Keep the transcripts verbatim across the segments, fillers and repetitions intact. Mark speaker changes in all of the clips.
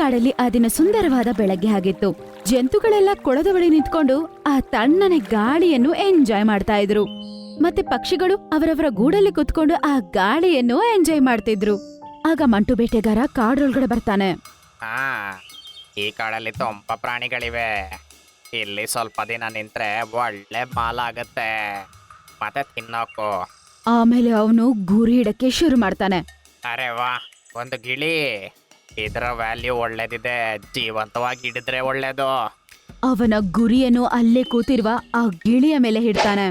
Speaker 1: ಕಾಡಲ್ಲಿ ಆ ದಿನ ಸುಂದರವಾದ ಬೆಳಗ್ಗೆ ಆಗಿತ್ತು. ಜಂತುಗಳೆಲ್ಲ ಕೊಳದ ಬಳಿ ನಿಂತ್ಕೊಂಡು ಆ ತಣ್ಣನೆ ಗಾಳಿಯನ್ನು ಎಂಜಾಯ್ ಮಾಡ್ತಾ ಇದ್ರು. ಮತ್ತೆ ಪಕ್ಷಿಗಳು ಅವರವರ ಗೂಡಲ್ಲಿ ಕುತ್ಕೊಂಡು ಆ ಗಾಳಿಯನ್ನು ಎಂಜಾಯ್ ಮಾಡ್ತಿದ್ರು. ಆಗ ಮಂಟು ಬೇಟೆಗಾರ ಕಾಡೊಳಗಡೆ ಬರ್ತಾನೆ.
Speaker 2: ಹಾ, ಈ ಕಾಡಲ್ಲಿ ತುಂಬ ಪ್ರಾಣಿಗಳಿವೆ. ಇಲ್ಲಿ ಸ್ವಲ್ಪ ದಿನ ನಿಂತ್ರೆ ಒಳ್ಳೆ ಮಾಲ ಆಗತ್ತೆ, ಮತ್ತೆ ತಿನ್ನೋಕು.
Speaker 1: ಆಮೇಲೆ ಅವನು ಗುರಿ ಹಿಡಕ್ಕೆ ಶುರು ಮಾಡ್ತಾನೆ.
Speaker 2: ಅರೆ ವಾ, ಒಂದು ಗಿಳಿ. ಇದರ ವ್ಯಾಲ್ಯೂ ಒಳ್ಳೇದಿದೆ, ಜೀವಂತವಾಗಿ ಹಿಡಿದ್ರೆ ಒಳ್ಳೇದು.
Speaker 1: ಅವನ ಗುರಿಯನ್ನು ಅಲ್ಲೇ ಕೂತಿರುವ ಆ ಗಿಳಿಯ ಮೇಲೆ ಹಿಡ್ತಾನೆ.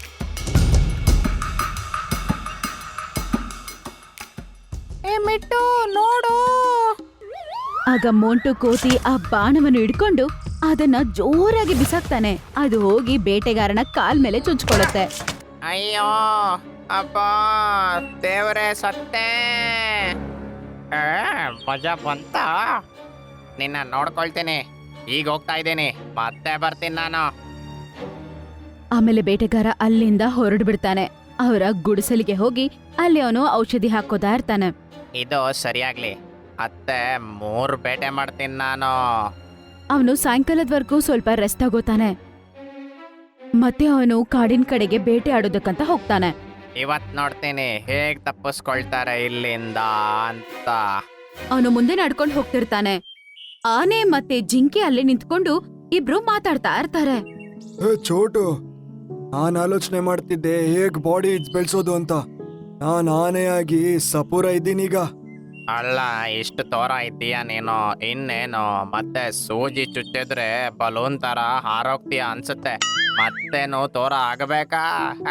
Speaker 2: ಮಿಟ್ಟು ನೋಡು.
Speaker 1: ಆಗ ಮೋಂಟು ಕೋತಿ ಆ ಬಾಣವನ್ನು ಹಿಡ್ಕೊಂಡು ಅದನ್ನ ಜೋರಾಗಿ ಬಿಸಾಕ್ತಾನೆ. ಅದು ಹೋಗಿ ಬೇಟೆಗಾರನ ಕಾಲ್ ಮೇಲೆ ಚುಚ್ಕೊಳ್ಳುತ್ತೆ.
Speaker 2: ಅಯ್ಯೋ ಅಪ್ಪ, ದೇವರೇ, ಸತ್ತೆ. ಏ, ಮಜಾ ಬಂತ. ನಿನ್ನ ನೋಡ್ಕೊಳ್ತೀನಿ. ಈಗ ಹೋಗ್ತಾ ಇದ್ದೀನಿ, ಮತ್ತೆ ಬರ್ತೀನಿ ನಾನು.
Speaker 1: ಆಮೇಲೆ ಬೇಟೆಗಾರ ಅಲ್ಲಿಂದ ಹೊರಡು ಬಿಡ್ತಾನೆ. ಅವರ ಗುಡಿಸಲಿಗೆ ಹೋಗಿ ಅಲ್ಲಿ ಅವನು ಔಷಧಿ ಹಾಕೋತಾ ಇರ್ತಾನೆ.
Speaker 2: ಇದು ಸರಿಯಾಗ್ಲಿ, ಮತ್ತೆ ಮೂರು ಬೇಟೆ ಮಾಡ್ತೀನಿ ನಾನು.
Speaker 1: ಅವನು ಸಾಯಂಕಾಲದವರೆಗೂ ಸ್ವಲ್ಪ ರೆಸ್ಟ್ ತಗೋತಾನೆ. ಮತ್ತೆ ಅವನು ಕಾಡಿನ ಕಡೆಗೆ ಬೇಟೆ ಆಡೋದಕ್ಕಂತ ಹೋಗ್ತಾನೆ.
Speaker 2: ಇವತ್ ನೋಡ್ತೀನಿ ಹೇಗ್ ತಪ್ಪಿಸ್ಕೊಳ್ತಾರೆ ಇಲ್ಲಿಂದ ಅಂತ.
Speaker 1: ಅವನು ಮುಂದೆ ನಡ್ಕೊಂಡು ಹೋಗ್ತಿರ್ತಾನೆ. ಆನೆ ಮತ್ತೆ ಜಿಂಕೆ ಅಲ್ಲಿ ನಿಂತ್ಕೊಂಡು ಇಬ್ರು ಮಾತಾಡ್ತಾ ಇರ್ತಾರೆ.
Speaker 3: ಚೋಟು, ನಾನ್ ಆಲೋಚನೆ ಮಾಡ್ತಿದ್ದೆ ಹೇಗ್ ಬಾಡಿ ಬೆಳೆಸೋದು ಅಂತ. ನಾನ್ ಆನೆಯಾಗಿ ಸಪೂರ ಇದ್ದೀನೀಗ.
Speaker 2: ಅಲ್ಲ, ಇಷ್ಟು ತೋರ ಇದ್ದೀಯ ನೀನು. ಇನ್ನೇನು, ಮತ್ತೆ ಸೂಜಿ ಚುಚ್ಚಿದ್ರೆ ಬಲೂನ್ ತರ ಹಾರೋಗ್ತೀಯ ಅನ್ಸುತ್ತೆ. ಮತ್ತೇನು ತೋರ ಆಗಬೇಕಾ?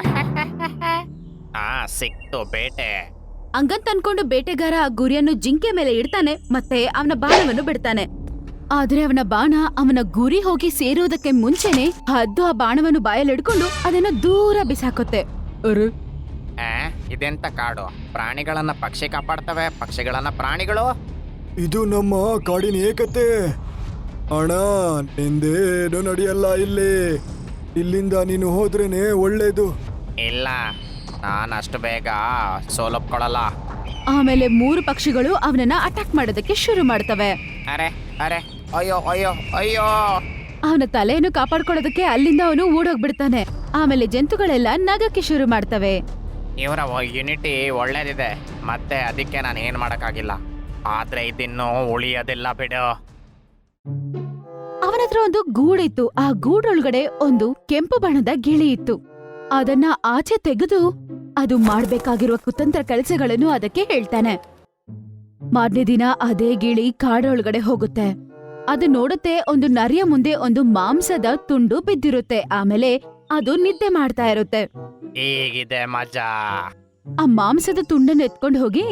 Speaker 2: ಹಾ, ಸಿಕ್ತು ಬೇಟೆ.
Speaker 1: ಹಂಗಂತ ಅನ್ಕೊಂಡು ಬೇಟೆಗಾರ ಆ ಗುರಿಯನ್ನು ಜಿಂಕೆ ಮೇಲೆ ಇಡ್ತಾನೆ. ಮತ್ತೆ ಅವನ ಬಾಣವನ್ನು ಬಿಡ್ತಾನೆ. ಆದ್ರೆ ಅವನ ಬಾಣ ಅವನ ಗುರಿ ಹೋಗಿ ಸೇರೋದಕ್ಕೆ ಮುಂಚೆನೆ ಹದ್ದು ಆ ಬಾಣವನ್ನು ಬಾಯಲ್ಲಿ ಹಿಡ್ಕೊಂಡು ಅದನ್ನ ದೂರ ಬಿಸಾಕುತ್ತೆ. ಅರೆ,
Speaker 2: ಆ, ಇದೆಂತ ಕಾಡು? ಪ್ರಾಣಿಗಳನ್ನ ಪಕ್ಷಿ ಕಾಪಾಡ್ತವೆ, ಪಕ್ಷಿಗಳನ್ನ ಪ್ರಾಣಿಗಳು.
Speaker 3: ಇದು ನಮ್ಮ ಕಾಡಿನ ಏಕತೆ. ಅಣ್ಣ, ನಿಂದೇನು ನಡೆಯಲ್ಲ ಇಲ್ಲಿ. ಇಲ್ಲಿಂದ ನೀನು ಹೋದ್ರೇನೆ ಒಳ್ಳೇದು.
Speaker 2: ಇಲ್ಲ, ನಾನು ಅಷ್ಟು ಬೇಗ ಸೋಲೊಪ್ಕೊಳ್ಳಲ್ಲ.
Speaker 1: ಆಮೇಲೆ ಮೂರು ಪಕ್ಷಿಗಳು ಅವನನ್ನ ಅಟ್ಯಾಕ್ ಮಾಡೋದಕ್ಕೆ ಶುರು ಮಾಡ್ತವೆ.
Speaker 2: ಅರೆ ಅರೆ, ಅಯ್ಯೋ ಅಯ್ಯೋ ಅಯ್ಯೋ.
Speaker 1: ಅವನ ತಲೆಯನ್ನು ಕಾಪಾಡ್ಕೊಳ್ಳೋದಕ್ಕೆ ಅಲ್ಲಿಂದ ಅವನು ಓಡೋಗ್ಬಿಡ್ತಾನೆ. ಆಮೇಲೆ ಜಂತುಗಳೆಲ್ಲ ನಗಕ್ಕೆ ಶುರು ಮಾಡ್ತವೆ.
Speaker 2: ಇವರ ಯುನಿಟಿ ಒಳ್ಳೇದಿದೆ, ಮತ್ತೆ ಅದಕ್ಕೆ ನಾನು ಏನ್ ಮಾಡಕ್ಕಾಗಿಲ್ಲ. ಆದ್ರೆ ಇದಿನ್ನೂ ಉಳಿಯೋದಿಲ್ಲ ಬಿಡು.
Speaker 1: ಅವನ ಹತ್ರ ಒಂದು ಗೂಡಿತ್ತು. ಆ ಗೂಡೊಳಗಡೆ ಒಂದು ಕೆಂಪು ಬಣ್ಣದ ಗಿಳಿ ಇತ್ತು. ಅದನ್ನ ಆಚೆ ತೆಗೆದು ಅದು ಮಾಡ್ಬೇಕಾಗಿರುವ ಕುತಂತ್ರ ಕೆಲಸಗಳನ್ನು ಅದಕ್ಕೆ ಹೇಳ್ತಾನೆ. ಮಾರನೇ ದಿನ ಅದೇ ಗಿಳಿ ಕಾಡೊಳಗಡೆ ಹೋಗುತ್ತೆ. ಅದು ನೋಡುತ್ತೆ, ಒಂದು ನರಿಯ ಮುಂದೆ ಒಂದು ಮಾಂಸದ ತುಂಡು ಬಿದ್ದಿರುತ್ತೆ. ಆಮೇಲೆ ಅದು ನಿದ್ದೆ ಮಾಡ್ತಾ ಇರುತ್ತೆ.
Speaker 2: ಹೀಗಿದೆ ಮಜಾ.
Speaker 1: ಆ ಮಾಂಸದ ತುಂಡನ್ನು ಎತ್ಕೊಂಡು ಹೋಗಿ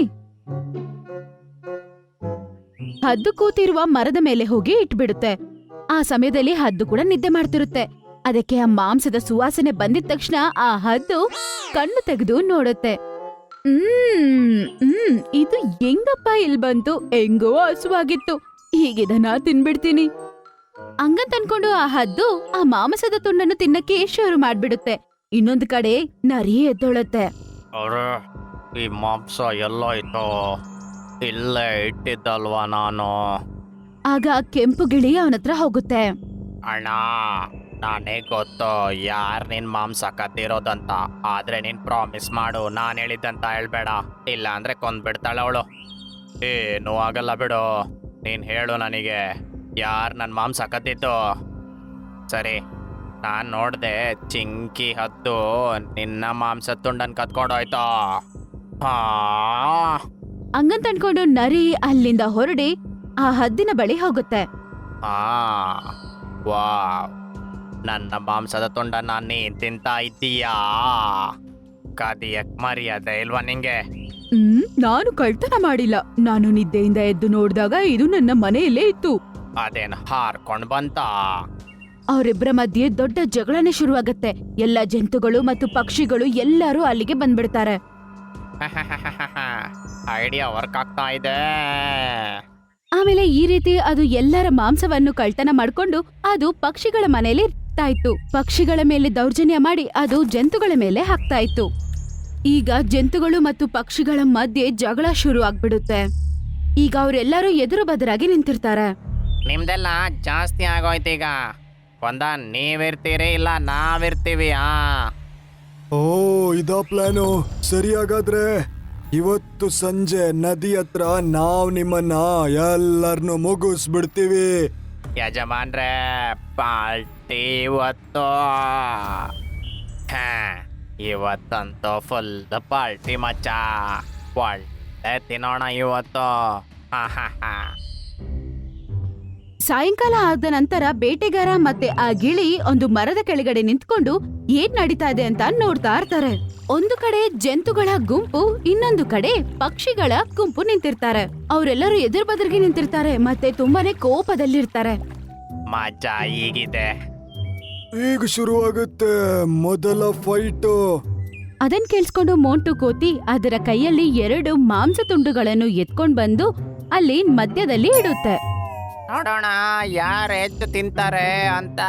Speaker 1: ಹದ್ದು ಕೂತಿರುವ ಮರದ ಮೇಲೆ ಹೋಗಿ ಇಟ್ಬಿಡುತ್ತೆ. ಆ ಸಮಯದಲ್ಲಿ ಹದ್ದು ಕೂಡ ನಿದ್ದೆ ಮಾಡ್ತಿರುತ್ತೆ. ಅದಕ್ಕೆ ಆ ಮಾಂಸದ ಸುವಾಸನೆ ಬಂದಿದ ತಕ್ಷಣ ಆ ಹದ್ದು ಕಣ್ಣು ತೆಗೆದು ನೋಡುತ್ತೆ. ಹ್ಮ್ ಹ್ಮ್ ಇದು ಹೆಂಗಪ್ಪ ಇಲ್ ಬಂತು? ಹೆಂಗೋ ಹಸುವಾಗಿತ್ತು, ಹೀಗಿದನ ತಿನ್ಬಿಡ್ತೀನಿ ಹಂಗಂತ ಅನ್ಕೊಂಡು ಆ ಹದ್ದು ಆ ಮಾಂಸದ ತುಂಡನ್ನು ತಿನ್ನಕ್ಕೆ ಶುರು ಮಾಡ್ಬಿಡುತ್ತೆ. ಇನ್ನೊಂದು ಕಡೆ ನರಿ ಎದ್ದೊಳುತ್ತೆ.
Speaker 2: ಅರೆ, ಈ ಮಾಂಸ ಎಲ್ಲೋಯ್ತು? ಇಲ್ಲೇ ಇಟ್ಟಿದ್ದಲ್ವಾ ನಾನು.
Speaker 1: ಆಗ ಕೆಂಪು ಗಿಳಿ ಅವನತ್ರ ಹೋಗುತ್ತೆ.
Speaker 2: ಅಣ್ಣ, ನಾನೇ ಗೊತ್ತು ಯಾರ್ ನಿನ್ ಮಾಂಸ ಕದ್ದಿರೋದಂತ. ಆದ್ರೆ ನೀನ್ ಪ್ರಾಮಿಸ್ ಮಾಡು, ನಾನ್ ಹೇಳಿದ್ದಂತ ಹೇಳ್ಬೇಡ. ಇಲ್ಲ ಅಂದ್ರೆ ಕೊಂದ್ಬಿಡ್ತಾಳೆ ಅವಳು. ಏನೂ ಆಗಲ್ಲ ಬಿಡು, ನೀನ್ ಹೇಳು ನನಗೆ ಯಾರ್ ನನ್ ಮಾಂಸ ಕದ್ದಿದ್ದು. ಸರಿ, ನಾನ್ ನೋಡ್ದೆ ಚಿಂಕಿ ಹದ್ದು ನಿನ್ನ ಮಾಂಸ ತುಂಡನ್ ಕತ್ಕೊಂಡೋಯ್ತು. ಹಾ,
Speaker 1: ಹಂಗಂತ ಅನ್ಕೊಂಡು ನರಿ ಅಲ್ಲಿಂದ ಹೊರಡಿ ಆ ಹದ್ದಿನ ಬಳಿ ಹೋಗುತ್ತೆ.
Speaker 2: ಹಾ, ವಾವ್, ನನ್ನ ಮಾಂಸದ ತುಂಡನ್ನ ನೀನ್ ತಿಂತಾ ಇದ್ದೀಯಾ? ಕದಿಯಕ್ ಮರ್ಯಾದೆ ಇಲ್ವಾ ನಿಂಗೆ?
Speaker 1: ಹ್ಮ್ ನಾನು ಕಳ್ತನ ಮಾಡಿಲ್ಲ. ನಾನು ನಿದ್ದೆಯಿಂದ ಎದ್ದು ನೋಡಿದಾಗ ಇದು ನನ್ನ ಮನೆಯಲ್ಲೇ ಇತ್ತು.
Speaker 2: ಅದೇನ್ ಹಾರ್ಕೊಂಡ್ ಬಂತ?
Speaker 1: ಅವರಿಬ್ಬರ ಮಧ್ಯೆ ದೊಡ್ಡ ಜಗಳನೆ ಶುರುವಾಗತ್ತೆ. ಎಲ್ಲ ಜಂತುಗಳು ಮತ್ತು ಪಕ್ಷಿಗಳು ಎಲ್ಲರೂ ಅಲ್ಲಿಗೆ ಬಂದ್ಬಿಡ್ತಾರೆ.
Speaker 2: ಐಡಿಯಾ ವರ್ಕ್ ಆಗ್ತಾ ಇದೆ.
Speaker 1: ಆಮೇಲೆ ಈ ರೀತಿ ಅದು ಎಲ್ಲರ ಮಾಂಸವನ್ನು ಕಳ್ತನ ಮಾಡ್ಕೊಂಡು ಅದು ಪಕ್ಷಿಗಳ ಮನೆಯಲ್ಲಿ ಇರ್ತಾ ಇತ್ತು. ಪಕ್ಷಿಗಳ ಮೇಲೆ ದೌರ್ಜನ್ಯ ಮಾಡಿ ಅದು ಜಂತುಗಳ ಮೇಲೆ ಹಾಕ್ತಾ ಇತ್ತು. ಈಗ ಜಂತುಗಳು ಮತ್ತು ಪಕ್ಷಿಗಳ ಮಧ್ಯೆ ಜಗಳ ಶುರು ಆಗ್ಬಿಡುತ್ತೆ. ಈಗ ಅವರೆಲ್ಲರೂ ಎದುರು ಬದರಾಗಿ ನಿಂತಿರ್ತಾರೆ.
Speaker 2: ನಿಮ್ದೆಲ್ಲ ಜಾಸ್ತಿ ಆಗೋಯ್ತೀಗ. ಒಂದ ನೀವಿರ್ತೀರಿ ಇಲ್ಲ ನಾವಿರ್ತೀವಿ. ಆ
Speaker 3: ಓ ಇದಾ ಪ್ಲಾನು. ಸರಿ, ಹಾಗಾದ್ರೆ ಇವತ್ತು ಸಂಜೆ ನದಿ ಹತ್ರ ನಾವ್ ನಿಮ್ಮನ್ನ ಎಲ್ಲರನ್ನು ಮುಗಿಸ್ಬಿಡ್ತೀವಿ.
Speaker 2: ಯಜಮಾನ್ರೆ, ಪಾರ್ಟಿ ಇವತ್ತು. ಹಾ, ಇವತ್ತಂತೂ ಫುಲ್ ಪಾರ್ಟಿ ಮಚ್ಚ. ಒಳ್ಳೆ ತಿನ್ನೋಣ ಇವತ್ತು. ಹಾ ಹಾ ಹಾ.
Speaker 1: ಸಾಯಂಕಾಲ ಆದ ನಂತರ ಬೇಟೆಗಾರ ಮತ್ತೆ ಆ ಗಿಳಿ ಒಂದು ಮರದ ಕೆಳಗಡೆ ನಿಂತ್ಕೊಂಡು ಏನ್ ನಡೀತಾ ಇದೆ ಅಂತ ನೋಡ್ತಾ ಇರ್ತಾರೆ. ಒಂದು ಕಡೆ ಜಂತುಗಳ ಗುಂಪು, ಇನ್ನೊಂದು ಕಡೆ ಪಕ್ಷಿಗಳ ಗುಂಪು ನಿಂತಿರ್ತಾರೆ. ಅವರೆಲ್ಲರೂ ಎದುರು ಬದರಿಗೆ ನಿಂತಿರ್ತಾರೆ ಮತ್ತೆ ತುಂಬಾನೇ ಕೋಪದಲ್ಲಿರ್ತಾರೆ.
Speaker 2: ಮಜಾ ಈಗಿದೆ.
Speaker 3: ಈಗ ಶುರುವಾಗುತ್ತೆ ಮೊದಲ ಫೈಟು.
Speaker 1: ಅದನ್ ಕೇಳಿಸ್ಕೊಂಡು ಮೋಂಟು ಕೋತಿ ಅದರ ಕೈಯಲ್ಲಿ ಎರಡು ಮಾಂಸ ತುಂಡುಗಳನ್ನು ಎತ್ಕೊಂಡ್ ಬಂದು ಅಲ್ಲಿ ಮಧ್ಯದಲ್ಲಿ ಇಡುತ್ತೆ.
Speaker 2: ನೋಡೋಣ ಯಾರು ಹೆಚ್ಚು ತಿಂತಾರೆ ಅಂತ.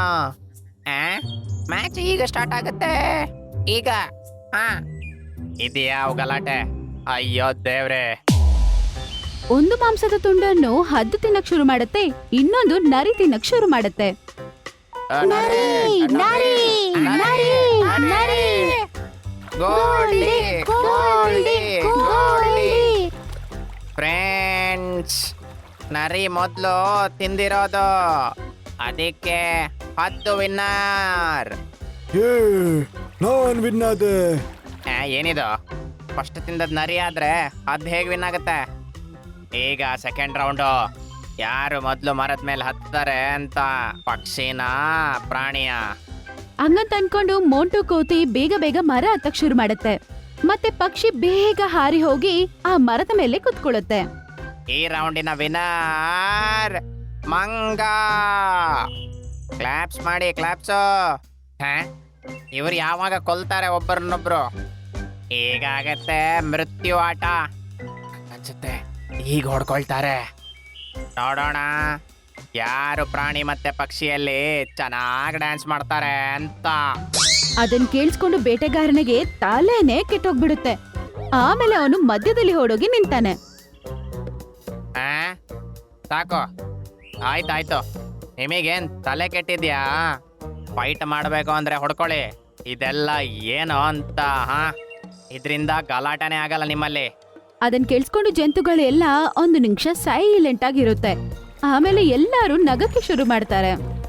Speaker 2: ಮ್ಯಾಚ್ ಈಗ ಸ್ಟಾರ್ಟ್ ಆಗುತ್ತೆ. ಈಗ ಹಾ, ಇದೆಯಾ ಗಲಾಟೆ? ಅಯ್ಯೋ ದೇವ್ರೆ.
Speaker 1: ಒಂದು ಮಾಂಸದ ತುಂಡನ್ನು ಹದ್ದು ತಿನ್ನಕ್ ಶುರು ಮಾಡುತ್ತೆ, ಇನ್ನೊಂದು ನರಿ ತಿನ್ನಕ್ ಶುರು ಮಾಡುತ್ತೆ. ನರಿ, ನರಿ, ನರಿ, ನರಿ.
Speaker 2: Goldie, Goldie, Goldie.
Speaker 1: Goldie.
Speaker 2: Friends, ನರಿ ಮೊದಲು ತಿಂದಿರೋದು, ಅದಕ್ಕೆ ಹತ್ತು ವಿನ್ನರ್.
Speaker 3: ಏ ನಾನ್ ವಿನ್ ಆದೆ.
Speaker 2: ಏನಿದು? ಫಸ್ಟ್ ತಿಂದದ್ ನರಿ ಆದ್ರೆ ಅದ್ ಹೇಗ್ ವಿನ್ ಆಗುತ್ತೆ? ಈಗ ಸೆಕೆಂಡ್ ರೌಂಡು. ಯಾರು ಮೊದಲು ಮರದ ಮೇಲೆ ಹತ್ತಾರೆ ಅಂತ. ಪಕ್ಷಿನ ಪ್ರಾಣಿಯ?
Speaker 1: ಹಂಗಂತ ಅನ್ಕೊಂಡು ಮೋಂಟು ಕೋತಿ ಬೇಗ ಬೇಗ ಮರ ಹತ್ತಕ್ ಶುರು ಮಾಡುತ್ತೆ. ಮತ್ತೆ ಪಕ್ಷಿ ಬೇಗ ಹಾರಿ ಹೋಗಿ ಆ ಮರದ ಮೇಲೆ ಕುತ್ಕೊಳ್ಳುತ್ತೆ.
Speaker 2: ಈ ರೌಂಡಿನ ವಿನರ್ ಮಂಗ. ಕ್ಲಾಪ್ಸ್ ಮಾಡಿ, ಕ್ಲಾಪ್ಸು. ಇವ್ರು ಯಾವಾಗ ಕೊಲ್ತಾರೆ ಒಬ್ಬರನ್ನೊಬ್ರು. ಈಗಾಗತ್ತೆ ಮೃತ್ಯು ಆಟ ಅನ್ಸುತ್ತೆ. ಈಗ ಹೊಡ್ಕೊಳ್ತಾರೆ. ನೋಡೋಣ ಯಾರು ಪ್ರಾಣಿ ಮತ್ತೆ ಪಕ್ಷಿಯಲ್ಲಿ ಚೆನ್ನಾಗಿ ಡ್ಯಾನ್ಸ್ ಮಾಡ್ತಾರೆ ಅಂತ.
Speaker 1: ಅದನ್ ಕೇಳಿಸ್ಕೊಂಡು ಬೇಟೆಗಾರನಿಗೆ ತಲೆನೇ ಕೆಟ್ಟೋಗ್ಬಿಡುತ್ತೆ. ಆಮೇಲೆ ಅವನು ಮಧ್ಯದಲ್ಲಿ ಓಡೋಗಿ ನಿಂತಾನೆ.
Speaker 2: ಆ? ಸಾಕು, ಆಯ್ತಾಯ್ತು. ನಿಮಗೇನ್ ತಲೆ ಕೆಟ್ಟಿದ್ಯಾ? ಫೈಟ್ ಮಾಡಬೇಕು ಅಂದ್ರೆ ಹೊಡ್ಕೊಳ್ಳಿ. ಇದೆಲ್ಲ ಏನು ಅಂತ? ಹಾ, ಇದರಿಂದ ಗಲಾಟನೆ ಆಗಲ್ಲ ನಿಮ್ಮಲ್ಲಿ.
Speaker 1: ಅದನ್ ಕೇಳಿಸ್ಕೊಂಡು ಜಂತುಗಳೆಲ್ಲ ಒಂದು ನಿಮಿಷ ಸೈಲೆಂಟ್ ಆಗಿರುತ್ತೆ. ಆಮೇಲೆ ಎಲ್ಲರೂ ನಗಕ್ಕೆ ಶುರು ಮಾಡ್ತಾರೆ.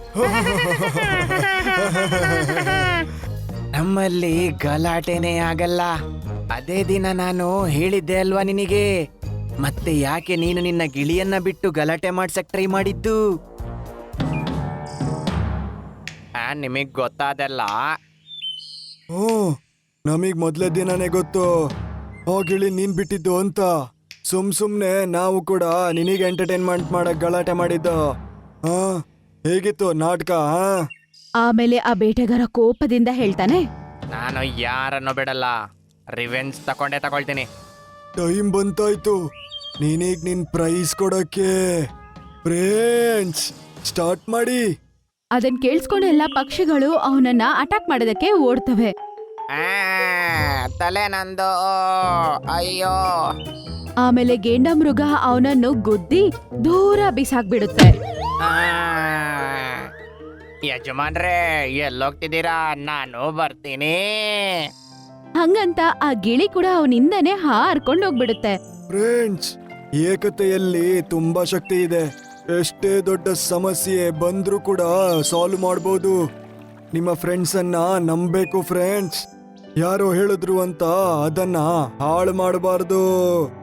Speaker 2: ನಮ್ಮಲ್ಲಿ ಗಲಾಟೆನೇ ಆಗಲ್ಲ. ಅದೇ ದಿನ ನಾನು ಹೇಳಿದ್ದೆ ಅಲ್ವಾ ನಿನಗೆ. ಮತ್ತೆ ಯಾಕೆ ನೀನು ನಿನ್ನ ಗಿಳಿಯನ್ನ ಬಿಟ್ಟು ಗಲಾಟೆ ಮಾಡ್ಸಕ್ ಟ್ರೈ ಮಾಡಿದ್ದು? ನಿಮಗ್ ಗೊತ್ತಾದಲ್ಲ.
Speaker 3: ಓ ನಮಗ್ ಮೊದ್ಲೇ ದಿನನೇ ಗೊತ್ತು ಆ ಗಿಳಿ ನೀನ್ ಬಿಟ್ಟಿದ್ದು ಅಂತ. ಸುಮ್ ಸುಮ್ನೆ ನಾವು ಕೂಡ ನಿನಗೆ ಎಂಟರ್ಟೈನ್ಮೆಂಟ್ ಮಾಡಕ್ ಗಲಾಟೆ ಮಾಡಿದ್ದು. ಹಾ, ಹೇಗಿತ್ತು ನಾಟಕ? ಹಾ.
Speaker 1: ಆಮೇಲೆ ಆ ಬೇಟೆಗಾರ ಕೋಪದಿಂದ ಹೇಳ್ತಾನೆ,
Speaker 2: ನಾನು ಯಾರನ್ನು ಬಿಡಲ್ಲ. ರಿವೆಂಜ್ ತಕೊಂಡೇ ತಗೊಳ್ತೀನಿ.
Speaker 3: ಟೈಮ್ ಬಂತಾಯ್ತು ನೀನೀಗ್ ನಿನ್ ಪ್ರೈಸ್ ಕೊಡಕ್ಕೆ. ಫ್ರೆಂಡ್ಸ್, ಸ್ಟಾರ್ಟ್ ಮಾಡಿ.
Speaker 1: ಅದನ್ ಕೇಳಿಸ್ಕೊಂಡು ಎಲ್ಲಾ ಪಕ್ಷಿಗಳು ಅವನನ್ನ ಅಟ್ಯಾಕ್ ಮಾಡೋದಕ್ಕೆ ಓಡ್ತವೆ.
Speaker 2: ಆ, ತಲೆ ನಂದು. ಅಯ್ಯೋ.
Speaker 1: ಆಮೇಲೆ ಗೇಂಡ ಮೃಗ ಅವನನ್ನು ಗುದ್ದಿ ದೂರ ಬಿಸಾಕ್ಬಿಡುತ್ತೆ.
Speaker 2: ಆ, ಯಜಮಾನ್ರೇ, ಎಲ್ಲೋಗ್ತಿದ್ದೀರಾ? ನಾನು ಬರ್ತೀನಿ.
Speaker 1: ಹಂಗಂತ ಆ ಗಿಳಿ ಕೂಡ ಅವನಿಂದನೇ ಹಾರ್ಕೊಂಡು ಹೋಗ್ಬಿಡುತ್ತೆ.
Speaker 3: ಫ್ರೆಂಡ್ಸ್, ಏಕತೆಯಲ್ಲಿ ತುಂಬಾ ಶಕ್ತಿ ಇದೆ. ಎಷ್ಟೇ ದೊಡ್ಡ ಸಮಸ್ಯೆ ಬಂದ್ರೂ ಕೂಡ ಸಾಲ್ವ್ ಮಾಡ್ಬೋದು. ನಿಮ್ಮ ಫ್ರೆಂಡ್ಸ್ ಅನ್ನ ನಂಬೇಕು ಫ್ರೆಂಡ್ಸ್. ಯಾರೋ ಹೇಳಿದ್ರು ಅಂತ ಅದನ್ನ ಹಾಳು ಮಾಡಬಾರ್ದು.